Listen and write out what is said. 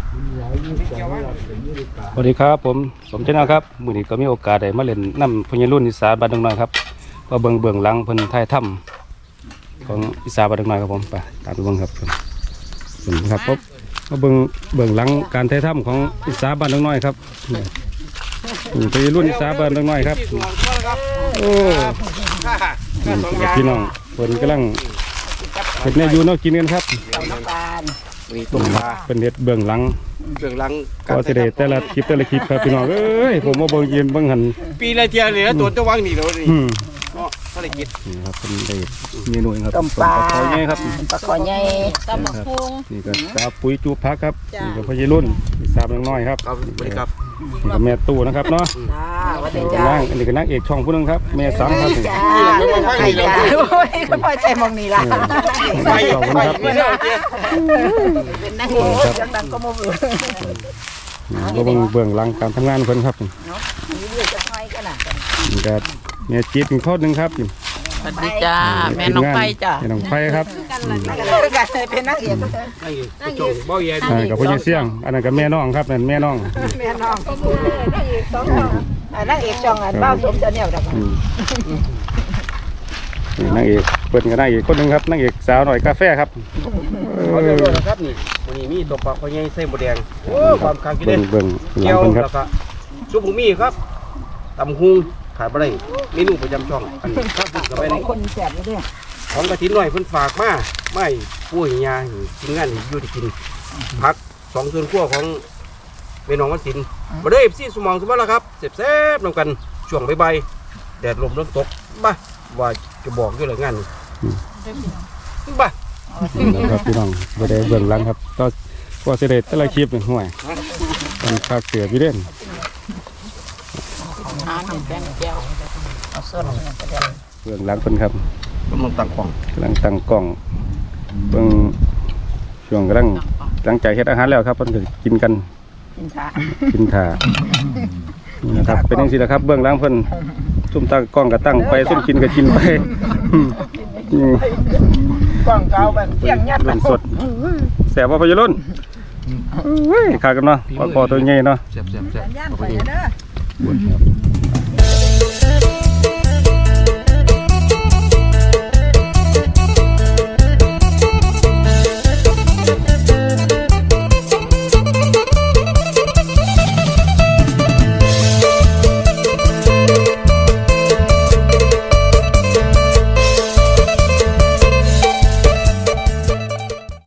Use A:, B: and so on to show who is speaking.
A: สวัสดีครับผมสมชนะครับมื้อนี้ก็มีโอกาสได้มาเล่นน้ำพญารุ่นอีสานบ้านดงน้อยครับมาเบิ่งหลังเพิ่นถ่ายถ้ำของอีสานบ้านดงน้อยครับผมไปตามไปเบิ่งครับครับผมมาเบิ่งหลังการถ่ายถ้ำของอีสานบ้านดงน้อยครับพญารุ่นอีสานบ้านดงน้อยครับโอ้พี่น้องเพิ่นกำลังเฮ็ดแนวอยู่แนวกินกันครับเป็นเฮ็ดเบื้องหลังก็สิได้แต่ละคลิปครับพี่น้องเอ้ยผมมาเบิ่งยืนเบิ่งหัน
B: ปีละเทียเลยนะตัวตะวังนี่เราดิก็ภารกิจ
A: นี่ครับเป็นได้เมนูครับ
C: ต้มปลา
A: คอใหญ่ครับ
C: ปลาคอใหญ่
D: ตำบักหุ่ง
A: นี่ก็สาปุ๋ยจูพักครับนี่ก็พญรุ่นสามน้อยครับ
B: สวัสดีครับ
A: นี่ก็แม่ตู้นะครับเนาะนั่งอันนี้ก็นางเอกช่องผู้นึงครับแม่สังครับ
C: จ้าไข่จ้าโอ้ยก็พอใจมองนี่ละ
A: ขอบคุณครับ
C: เป็นนางเอกดังก็มาเบื่อ
A: ก็เบื้องหลังการทำงานเพิ่นครับนี่ก็แม่จี๊ดเป็นข้อหนึ่งครับ
D: สวัสดีจ้าแม่น้องไผ่จ้า
A: แม่น้องไผ่ครับ
C: เป็นนางเอก
B: จงเบ้าใหญ่
A: กับพ่อใหญ่เสี่ยงอันนั้นกับแม่น้องครับนั่นแม่น้อง
C: นางเอกช่องเบ้าสมจะเนี่ยดัง
A: นางเอกเปิดกันนางเอกคนหนึ่งครับนางเอกสาวหน่อยกาแฟครับ
B: เขาจะรู้นะครับนี่วันนี้มีตัวปลาเขาใหญ่เส้นบดแดงโอ้ความคังกินเด่น
A: เกี่ยว
B: แล้วก็ซุปหมูมี่ครับตำหุงขายบะไรเมนูประจำช่องอันนี้ข้าวสุกกับไปนี่
C: คนแสบเลยเนี่ย
B: ของกระถิ่นหน่อยเพิ่นฝากมาไม่ปุ้ยยากินงานอยู่ที่กินพัก2 ส่วนขั้วของเมนองวัดศิลป์มาได้ซี่สมองสมบัติแล้วครับแซ่บๆนำกันช่วงใบแดดลมตกบ้าว่าจะบอกด้วยเลยงานนี้บ้า
A: ครับพี่น้องไปได้เบื้องหลังครับก็เสด็จแต่ละคลิปห่วยมันคาเสือพี่เด่นเบื้องหลังเป็นครับ
B: กำลังตั้งก
A: ล้องเบื้องช่วงกำลังหลังจากเฮ็ดอาหารแล้วครับเพิ่นก็กินกันกินถ่านะครับเป็นอย่างนี้นะครับเบื้องหลังเพิ่นซุ่มตั้งกล้องก็ตั้งไปซุ่มกินก็กินไป
C: กล้องเก่าแบบเสียงยัด
A: สดแสบว่าพยรุ่นขากันเนาะพอตัวใหญ่เนาะ
B: แซ่บ
C: ย่างไปเด้อ